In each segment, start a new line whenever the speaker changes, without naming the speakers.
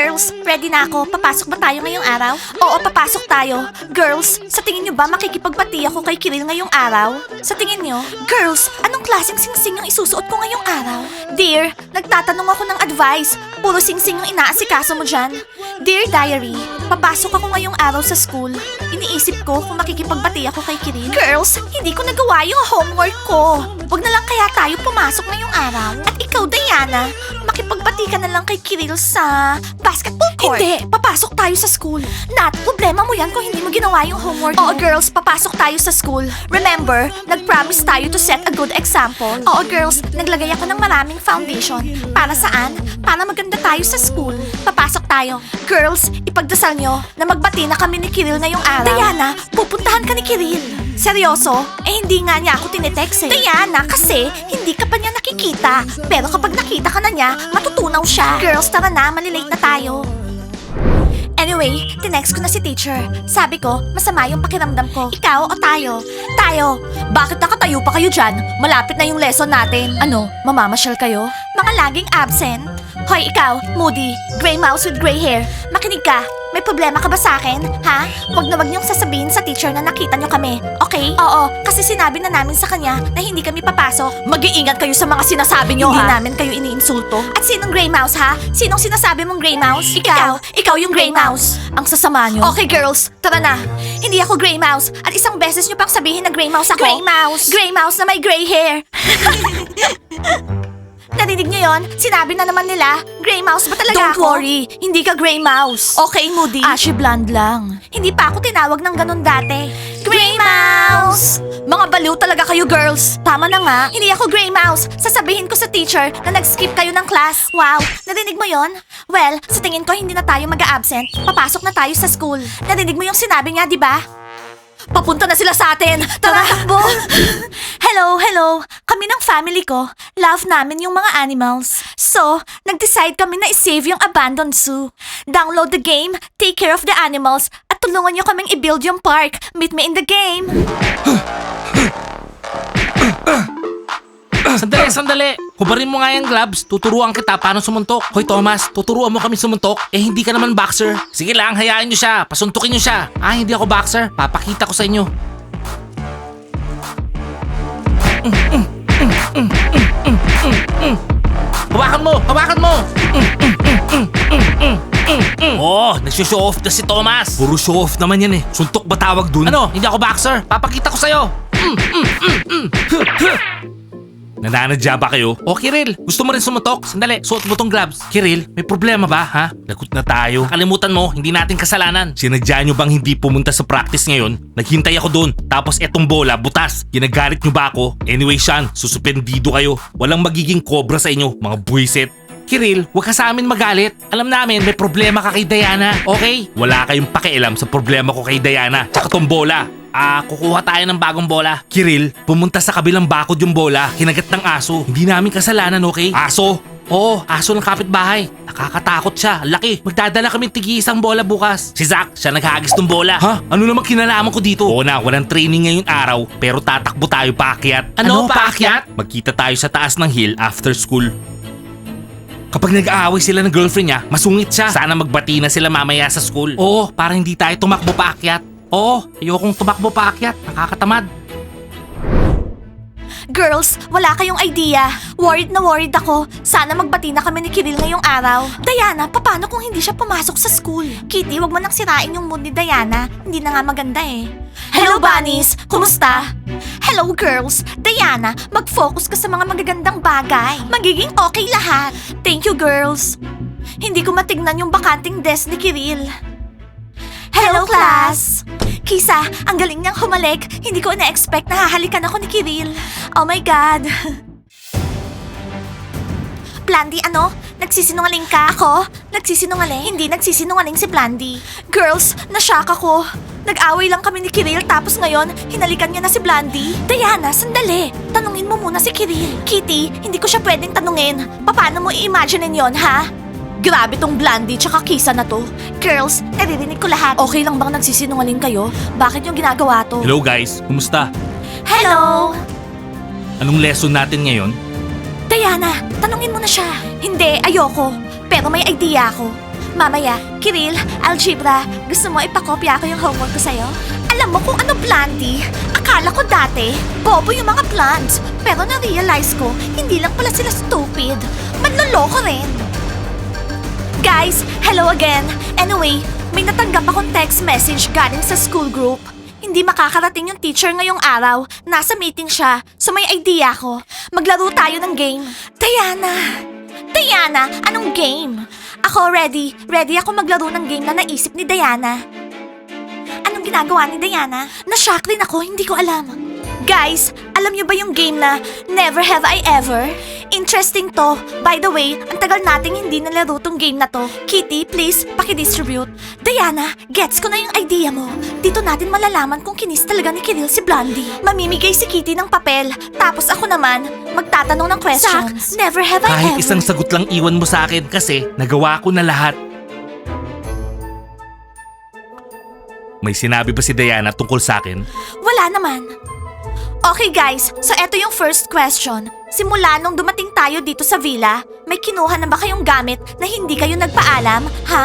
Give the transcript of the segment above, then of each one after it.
Girls, ready na ako. Papasok ba tayo ngayong araw? Oo, papasok tayo. Girls, sa tingin nyo ba makikipagbati ako kay Kiril ngayong araw? Sa tingin nyo? Girls, anong klaseng singsing yung isusuot ko ngayong araw? Dear, nagtatanong ako ng advice. Puro singsing yung inaasikaso mo dyan. Dear Diary, papasok ako ngayong araw sa school. Iniisip ko kung makikipagbati ako kay Kiril. Girls, hindi ko nagawa yung homework ko. Wag na lang kaya tayo pumasok ngayong araw. At ikaw, Diana, makipagbati ka na lang kay Kiril sa basketball court. Hindi, papasok tayo sa school. Nat, problema mo yan kung hindi mo ginawa yung homework mo. Oo, girls, papasok tayo sa school. Remember, nag-promise tayo to set a good example. Oo, girls, naglagay ako ng maraming foundation. Para saan? Para maganda tayo sa school. Papasok tayo. Girls, ipagdasal nyo na magbati na kami ni Kiril ngayong araw. Diana, pupuntahan ka ni Kiril. Seryoso? Eh hindi nga niya ako tinitext eh. Diana, kasi hindi ka pa niya nakikita. Pero kapag nakita ka na niya, matutunaw siya. Girls, tara na, malilate na tayo. Anyway, tinext ko na si teacher. Sabi ko, masama yung pakiramdam ko. Ikaw o tayo? Tayo. Bakit nakatayo pa kayo dyan? Malapit na yung lesson natin. Ano, mamamasyal kayo? Mga laging absent. Hoy, ikaw, Moody, gray mouse with gray hair. Makinig ka. May problema ka ba sa akin? Ha? Huwag niyong sasabihin sa teacher na nakita niyo kami, okay? Oo, kasi sinabi na namin sa kanya na hindi kami papasok. Mag-iingat kayo sa mga sinasabi niyo, ha? Hindi namin kayo iniinsulto. At sinong gray mouse, ha? Sinong sinasabi mong gray mouse? Ikaw yung gray mouse. Ang sasama niyo. Okay, girls, tara na. Hindi ako gray mouse. At isang beses niyo pang sabihin na gray mouse ako. Gray mouse. Gray mouse na may gray hair. Narinig niyo yon? Sinabi na naman nila, gray mouse ba talaga ako? Don't worry, hindi ka gray mouse. Okay, Moody. Ashy blonde lang. Hindi pa ako tinawag ng ganun dati. Gray mouse! Mga baliw talaga kayo, girls. Tama na nga. Hindi ako gray mouse. Sasabihin ko sa teacher na nag-skip kayo ng class. Wow, narinig mo yon? Well, sa tingin ko hindi na tayo mag-a-absent. Papasok na tayo sa school. Narinig mo yung sinabi niya, di ba? Papunta na sila sa atin! Tara, takbo! Hello! Kami ng family ko, love namin yung mga animals. So, nag-decide kami na i-save yung abandoned zoo. Download the game, take care of the animals, at tulungan nyo kaming i-build yung park. Meet me in the game!
Sandali! Hubarin mo nga yung gloves. Tuturuan kita paano sumuntok. Hoy Thomas, tuturuan mo kami sumuntok. Eh hindi ka naman boxer. Sige lang, hayaan nyo siya. Pasuntukin nyo siya. Ah, hindi ako boxer. Papakita ko sa inyo. Hawakan mo! Oh, nagsushow off na si Thomas. Puro show off naman yan eh. Suntok ba tawag dun? Ano? Hindi ako boxer. Papakita ko sa'yo. Nananadya ba kayo? O Kiril, gusto mo rin sumutok? Sandali, suot mo tong gloves. Kiril, may problema ba ha? Lagot na tayo. Kalimutan mo, hindi natin kasalanan. Sinadya nyo bang hindi pumunta sa practice ngayon? Naghintay ako doon. Tapos etong bola, butas. Ginagalit nyo ba ako? Anyway Sean, susupendido kayo. Walang magiging cobra sa inyo, mga buwisit. Kiril, huwag ka sa amin magalit. Alam namin may problema ka kay Diana, okay? Wala kayong pakialam sa problema ko kay Diana. Tsaka tong bola. Kukuha tayo ng bagong bola. Kiril, pumunta sa kabilang bakod yung bola. Kinagat ng aso. Hindi namin kasalanan, okay? Aso? Oo, aso ng kapitbahay. Nakakatakot siya. Laki. Magdadala kami tig-isang bola bukas. Si Zach, siya naghagis ng bola. Ha? Ano namang kinalaman ko dito? Oo na, walang training ngayong araw. Pero tatakbo tayo paakyat. Ano paakyat? Magkita tayo sa taas ng hill after school. Kapag nag-aaway sila ng girlfriend niya, masungit siya. Sana magbati na sila mamaya sa school. Oo, para hindi tayo tumakbo paakyat. Oo, ayokong tumakbo paakyat. Nakakatamad.
Girls, wala kayong idea. Worried na worried ako. Sana magbati na kami ni Kiril ngayong araw. Diana, paano kung hindi siya pumasok sa school? Kitty, wag mo nang sirain yung mood ni Diana. Hindi na nga maganda eh. Hello, bunnies! Kumusta? Hello, girls! Diana, mag-focus ka sa mga magagandang bagay. Magiging okay lahat. Thank you, girls. Hindi ko matignan yung bakanting desk ni Kiril. Hello, class! Kisa, ang galing niyang humalik. Hindi ko na-expect na hahalikan ako ni Kiril. Oh my God! Blandy, ano? Nagsisinungaling ka? Ako? Nagsisinungaling? Hindi nagsisinungaling si Blandy. Girls, nashock ako. Nag-away lang kami ni Kiril tapos ngayon, hinalikan niya na si Blandy. Diana, sandali. Tanungin mo muna si Kiril. Kitty, hindi ko siya pwedeng tanungin. Paano mo i-imaginein yon, ha? Grabe tong Blandy tsaka Kisa na to. Girls, naririnig ko lahat. Okay lang bang nagsisinungaling kayo? Bakit yung ginagawa to?
Hello guys, kumusta?
Hello!
Anong lesson natin ngayon?
Diana, tanungin mo na siya. Hindi, ayoko. Pero may idea ako. Mamaya, Kiril, algebra, gusto mo ipakopya ko yung homework ko sa'yo? Alam mo kung ano, Blandy? Akala ko dati, bobo yung mga plants. Pero na-realize ko, hindi lang pala sila stupid. Manloloko rin. Guys, hello again. Anyway, may natanggap akong text message galing sa school group. Hindi makakarating yung teacher ngayong araw. Nasa meeting siya, so may idea ko. Maglaro tayo ng game. Diana, anong game? Ako ready. Ready ako maglaro ng game na naisip ni Diana. Anong ginagawa ni Diana? Na-shock rin ako, hindi ko alam. Guys, alam niyo ba yung game na Never Have I Ever? Interesting to. By the way, ang tagal nating hindi nalaro tong game na to. Kitty, please, pakidistribute. Diana, gets ko na yung idea mo. Dito natin malalaman kung kinis talaga ni Kiril si Blondie. Mamimigay si Kitty ng papel. Tapos ako naman, magtatanong ng questions. Zach, never have I
Kahit
ever.
isang sagot lang iwan mo sa akin kasi nagawa ko na lahat. May sinabi ba si Diana tungkol sa akin?
Wala naman. Okay guys, so eto yung first question. Simula nung dumating tayo dito sa villa, may kinuha na ba kayong gamit na hindi kayo nagpaalam, ha?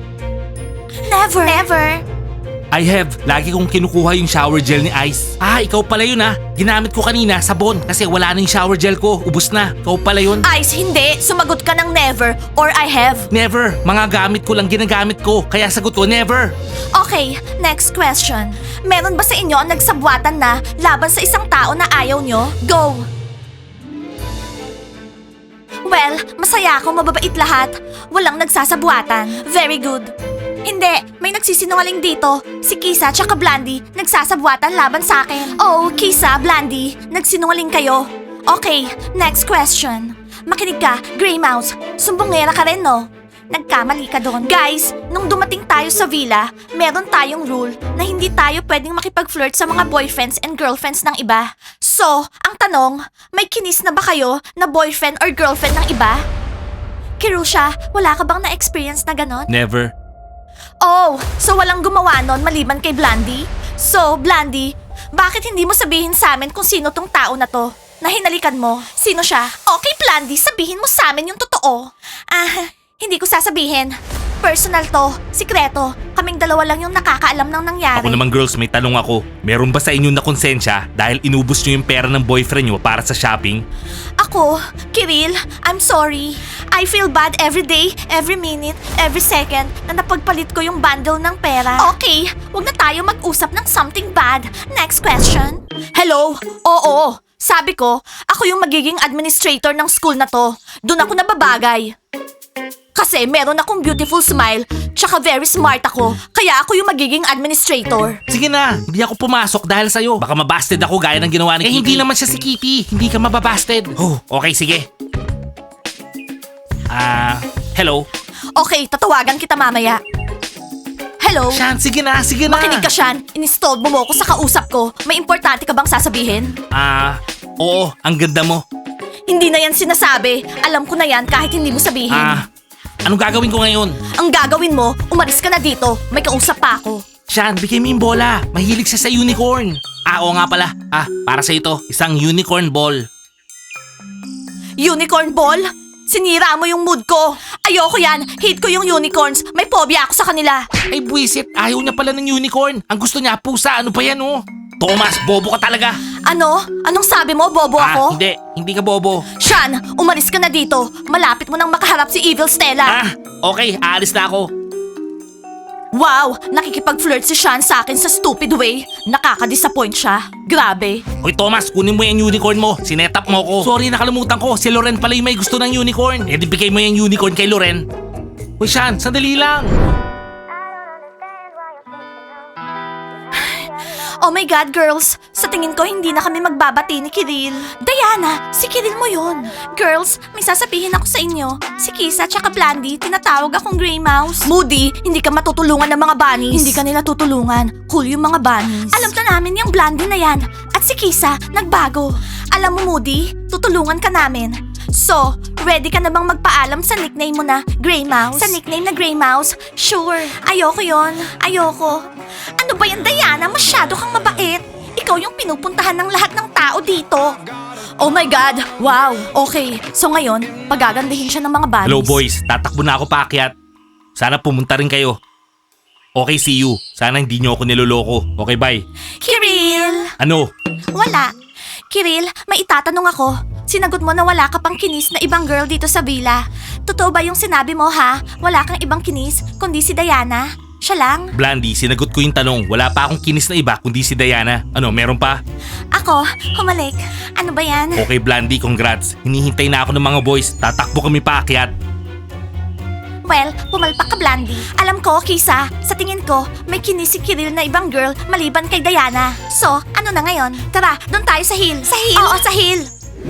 Never.
I have. Lagi kong kinukuha yung shower gel ni Ice. Ah, ikaw pala yun ah. Ginamit ko kanina, sabon. Kasi wala na yung shower gel ko. Ubus na. Ikaw pala yun.
Ice, hindi. Sumagot ka ng never or I have.
Never. Mga gamit ko lang ginagamit ko. Kaya sagot ko, never.
Okay, next question. Meron ba sa inyo ang nagsabwatan na laban sa isang tao na ayaw nyo? Go! Well, masaya ako, mababait lahat. Walang nagsasabuatan. Very good. Hindi, may nagsisinungaling dito. Si Kisa tsaka Blandy nagsasabuatan laban sa akin. Oh, Kisa, Blandy, nagsinungaling kayo. Okay, next question. Makinig ka, Grey Mouse. Sumbongera ka rin, no? Nagkamali ka doon. Guys, nung dumating tayo sa villa, meron tayong rule na hindi tayo pwedeng makipag-flirt sa mga boyfriends and girlfriends ng iba. So, ang tanong, may kinis na ba kayo na boyfriend or girlfriend ng iba? Kirusha, wala ka bang na-experience na ganon?
Never.
Oh, so walang gumawa nun maliban kay Blandy? So, Blandy, bakit hindi mo sabihin sa amin kung sino tong tao na to? Na hinalikan mo? Sino siya? Okay, Blandy, sabihin mo sa amin yung totoo. Hindi ko sasabihin. Personal to, sikreto. Kaming dalawa lang yung nakakaalam ng nangyari.
Ako naman girls, may tanong ako. Meron ba sa inyo na konsensya dahil inubos nyo yung pera ng boyfriend nyo para sa shopping?
Ako, Kiril, I'm sorry. I feel bad every day, every minute, every second na napagpalit ko yung bundle ng pera. Okay, wag na tayo mag-usap ng something bad. Next question. Hello? Oo, sabi ko, ako yung magiging administrator ng school na to. Doon ako nababagay. Kasi meron akong beautiful smile, tsaka very smart ako. Kaya ako yung magiging administrator.
Sige na, hindi ako pumasok dahil sa'yo. Baka mabasted ako gaya ng ginawa ni Kitty. Hindi naman siya si Kitty. Hindi ka mababasted. Oh, okay, sige. Hello?
Okay, tatawagan kita mamaya. Hello?
Shan, sige na.
Makinig ka, Shan. Installed mo ako sa kausap ko. May importante ka bang sasabihin?
Oo, ang ganda mo.
Hindi na yan sinasabi. Alam ko na yan kahit hindi mo sabihin.
Anong gagawin ko ngayon?
Ang gagawin mo, umalis ka na dito. May kausap pa ako.
Shan, bigay mo yung bola. Mahilig siya sa unicorn. Oo nga pala. Para sa ito, isang unicorn ball.
Unicorn ball? Sinira mo yung mood ko. Ayoko yan. Hate ko yung unicorns. May phobia ako sa kanila.
Ay buwisit, ayaw niya pala ng unicorn. Ang gusto niya, pusa. Ano pa yan oh? Thomas, bobo ka talaga.
Ano? Anong sabi mo? Bobo ako?
Hindi ka bobo.
Shan, umalis ka na dito. Malapit mo nang makaharap si Evil Stella.
Okay, aalis na ako.
Wow, nakikipag-flirt si Shan sa akin sa stupid way. Nakaka-disappoint siya. Grabe.
Hoy Thomas, kunin mo yung unicorn mo. Sinetap mo ko. Sorry, nakalimutan ko. Si Loren pala yung may gusto ng unicorn. Eh di bigay mo yung unicorn kay Loren. Hoy Shan, sandali lang.
Oh my God, girls! Sa tingin ko, hindi na kami magbabati ni Kiril. Diana, si Kiril mo yun. Girls, may sasabihin ako sa inyo. Si Kisa tsaka Blandy, tinatawag akong Grey Mouse. Moody, hindi ka matutulungan ng mga bunnies. Hindi ka nila tutulungan. Cool yung mga bunnies. Alam na namin yung Blandy na yan. At si Kisa, nagbago. Alam mo, Moody, tutulungan ka namin. So, ready ka na bang magpaalam sa nickname mo na Grey Mouse? Sa nickname na Grey Mouse? Sure. Ayoko yon. Ayoko. Ano ba yan, Diana? Masyado kang mabait. Ikaw yung pinupuntahan ng lahat ng tao dito. Oh my God! Wow! Okay, so ngayon, pagagandahin siya ng mga bunnies.
Hello boys, tatakbo na ako paakyat. Sana pumunta rin kayo. Okay, see you. Sana hindi nyo ako niloloko. Okay, bye.
Kiril!
Ano?
Wala. Kiril, may itatanong ako. Sinagot mo na wala ka pang kinis na ibang girl dito sa villa. Totoo ba yung sinabi mo ha? Wala kang ibang kinis kundi si Diana? Siya lang?
Blandy, sinagot ko yung tanong. Wala pa akong kinis na iba kundi si Diana. Ano, meron pa?
Ako, humalik. Ano ba yan?
Okay, Blandy, congrats. Hinihintay na ako ng mga boys. Tatakbo kami paakyat.
Well, pumalpak ka, Blandy. Alam ko, Kisa, sa tingin ko, may kinis si Kiril na ibang girl maliban kay Diana. So, ano na ngayon? Tara, doon tayo sa hill. Sa hill? Oo, sa hill.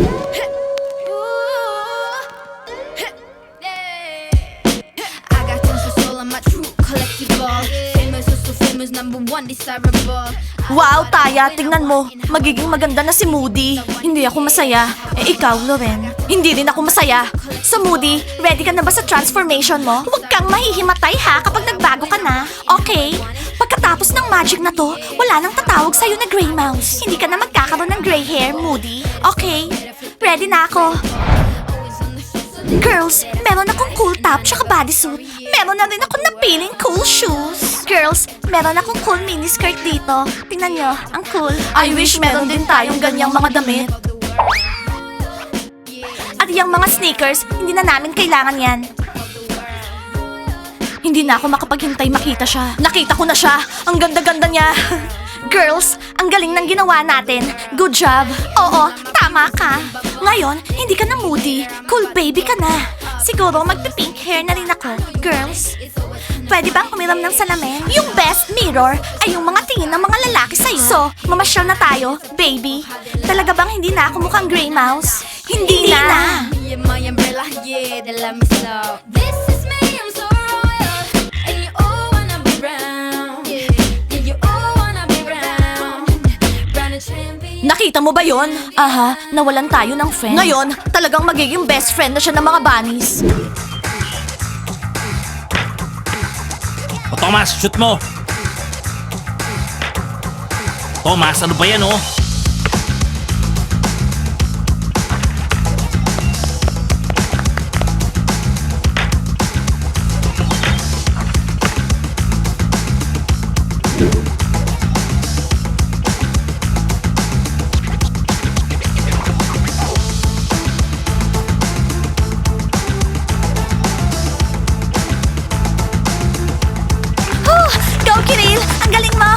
I got tons of soul, I'm a true collectible. Famous, so famous, number one desirable.
Wow, Taya, tingnan mo. Magiging maganda na si Moody. Hindi ako masaya. Eh, ikaw, Loren. Hindi rin ako masaya. So, Moody, ready ka na ba sa transformation mo? Huwag kang mahihimatay ha kapag nagbago ka na. Okay? Pagkatapos ng magic na to, wala nang tatawag sa'yo na Grey Mouse. Hindi ka na magkakaroon ng gray hair, Moody. Okay? Ready na ako. Girls, meron akong cool top tsaka bodysuit. Meron na rin akong napiling cool shoes. Girls, meron akong cool miniskirt dito. Tingnan nyo, ang cool. I wish meron din tayong ganyang mga damit. At yung mga sneakers, hindi na namin kailangan yan. Hindi na ako makapaghintay makita siya. Nakita ko na siya. Ang ganda-ganda niya. Girls, ang galing ng ginawa natin. Good job. Oo, tama ka. Ngayon, hindi ka na moody. Cool baby ka na. Siguro magpi-pink hair na rin ako. Girls, pwede bang umiram ng salamin? Yung best mirror ay yung mga tingin ng mga lalaki sa'yo. So, mamasyal na tayo, baby. Talaga bang hindi na ako mukhang Grey Mouse? Hindi na.
Me and my umbrella, yeah, they let me slow. This is me, I'm so royal. And you all wanna be brown. Yeah, you all wanna be brown. Brown and champion.
Nakita mo ba yon? Aha, nawalan tayo ng friend. Ngayon, talagang magiging best friend na siya ng mga bunnies.
O Thomas, shoot mo! Thomas, ano ba yan oh?
Go, Kiril! Ang galing mo!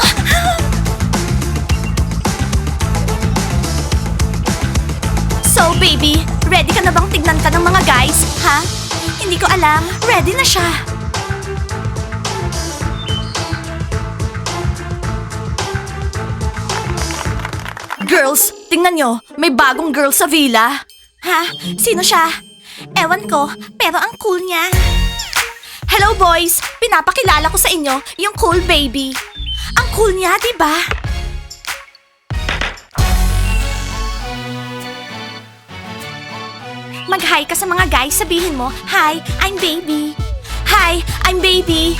So, baby, ready ka na bang tignan ka ng mga guys, ha? Hindi ko alam. Ready na siya. Girls, tingnan nyo. May bagong girl sa villa. Ha? Sino siya? Ewan ko, pero ang cool niya. Hello boys! Pinapakilala ko sa inyo yung cool baby. Ang cool niya, di ba? Mag-hi ka sa mga guys, sabihin mo, Hi, I'm baby. Hi, I'm baby.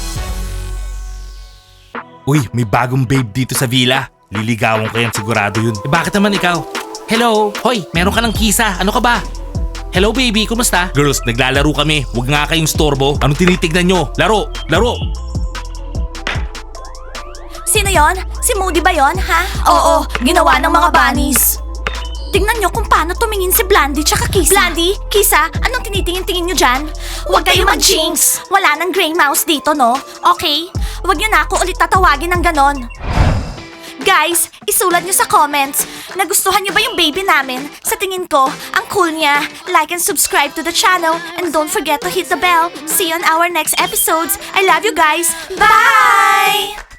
Uy, may bagong babe dito sa villa. Liligawan ko yan, sigurado yun. Eh, bakit naman ikaw? Hello? Hoy, meron ka ng kisa. Ano ka ba? Hello baby, kumusta? Girls, naglalaro kami. Huwag nga kayong storbo. Anong tinitignan nyo? Laro! Laro!
Sino yon? Si Moody ba yon, ha? Oo, ginawa ng mga bunnies. Tingnan nyo kung paano tumingin si Blandy tsaka Kisa. Blandy, Kisa, anong tinitingin-tingin nyo dyan? Huwag kayo mag-jinx. Wala nang Grey Mouse dito, no? Okay? Huwag nyo na ako ulit tatawagin ng ganon. Guys, isulat nyo sa comments. Nagustuhan nyo ba yung baby namin? Sa tingin ko, ang cool niya. Like and subscribe to the channel. And don't forget to hit the bell. See you on our next episodes. I love you guys. Bye!